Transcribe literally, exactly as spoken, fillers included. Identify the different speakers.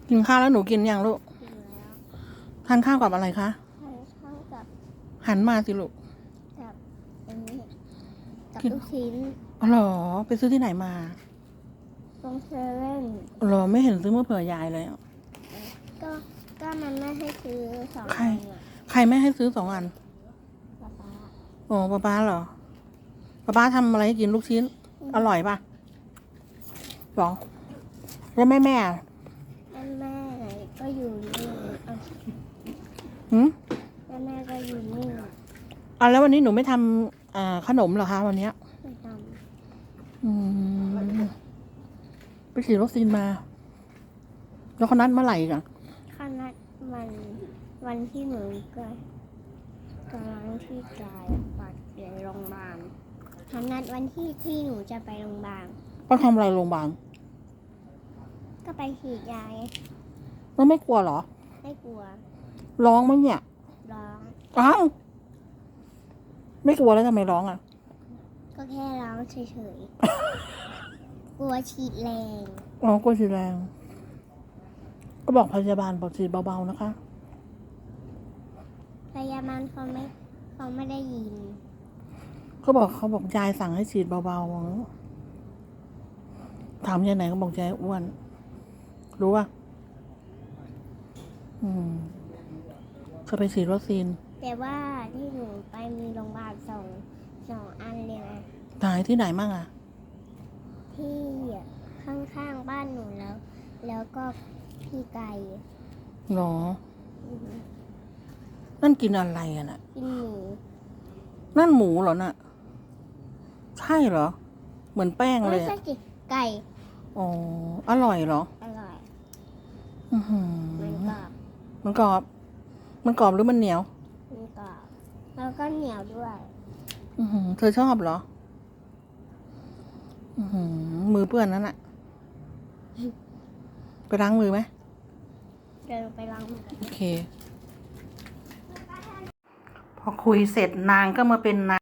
Speaker 1: กินข้าวแล้วหนูกินยังลูก
Speaker 2: กินแล้ว
Speaker 1: ทานข้าวกับอะไรคะ
Speaker 2: ทานข้าวกับ
Speaker 1: หันมาสิลูก
Speaker 2: กับอันนี้กับ
Speaker 1: กิน
Speaker 2: ลูกชิ้น
Speaker 1: อ๋อเหรอไปซื้อที่ไหนมา
Speaker 2: ตรงเซเว่น
Speaker 1: เหรอไม่เห็นซื้อมาเผื่อยายเลยอะ
Speaker 2: ก็ก็มันไม่ให้ซื้อสอง
Speaker 1: ใคร
Speaker 2: อันอ่ะ
Speaker 1: ใครไม่ให้ซื้อสองอัน
Speaker 2: ป๊าป๊า
Speaker 1: โอ้ป้าป้าเหรอป้าป้าทำอะไรให้กินลูกชิ้น อร่อยปะหรอแล้วแม่แม่อะ
Speaker 2: แม่แม่ก็อยู่นี่อ่ะ
Speaker 1: หืม
Speaker 2: แม่แม่ก็อยู่นี่
Speaker 1: อ่ะแล้ววันนี้หนูไม่ทำอ่าขนมเหรอคะวันเนี้ย
Speaker 2: ไม่ท
Speaker 1: อืมไปฉีดวัคซีนมา แล้วเขานัดเมื่อไหร่อีกัน
Speaker 2: ำข้านัดวันวันที่หนูก็กำลังที่กายปัดเปลี่ยนโรงพยาบาลเขานัดวันที่ที่หนูจะไปโรงพยาบาล
Speaker 1: ก็ทำอะไรโรงพยาบาล
Speaker 2: ก็ไปฉีดยาไง
Speaker 1: แล้วไม่กลัวเหรอ
Speaker 2: ไม่กลัว
Speaker 1: ร้องไหมเนี่ย
Speaker 2: ร้อง
Speaker 1: อ้าวไม่กลัวแล้วทำไมร้องอ่ะ
Speaker 2: ก็แค่ร้องเฉยๆ กลัวฉีดแรง
Speaker 1: อ๋อกลัวฉีดแรง ก็บอกพยาบาลบอกฉีดเบาๆนะคะ
Speaker 2: พยาบาลเขาไม่เขาไม่ได้ยิน
Speaker 1: เขาบอกเขาบอกยายสั่งให้ฉีดเบาๆถามยายไหนก็บอกยายอ้วน รู้ป่ะอืมจะไปฉีดวัคซีน
Speaker 2: แต่ว่าที่หนูไปมีโรงพยาบาลสองสองอันเลยนะ
Speaker 1: ไหนที่ไหนมั่งอ่ะ
Speaker 2: ที่ข้างๆบ้านหนูแล้ว แล้วก็พี่ไก่
Speaker 1: หรอ
Speaker 2: อือหือ
Speaker 1: นั่นกินอะไรอ่ะน่ะ
Speaker 2: กินหมู
Speaker 1: นั่นหมูเหรอน่ะ ใช่เหรอ เหมือนแป้งเล
Speaker 2: ไม่
Speaker 1: ย
Speaker 2: ใช่
Speaker 1: อะ
Speaker 2: สิไก่
Speaker 1: อ๋อ อร่อยเหรอ
Speaker 2: อร่อย
Speaker 1: อือหือ
Speaker 2: มันกรอบ
Speaker 1: มันกรอบ มันกรอบหรือมันเหนียว
Speaker 2: มันกรอบแล้วก็เหนียวด้วย
Speaker 1: อือหือเธอชอบเหรอ อือหือมือเปื้อนนั่นน่ะ ไปล้างมือไหม
Speaker 2: เดินไปล้างมือกัน
Speaker 1: โอเค พอคุยเสร็จนางก็มาเป็นน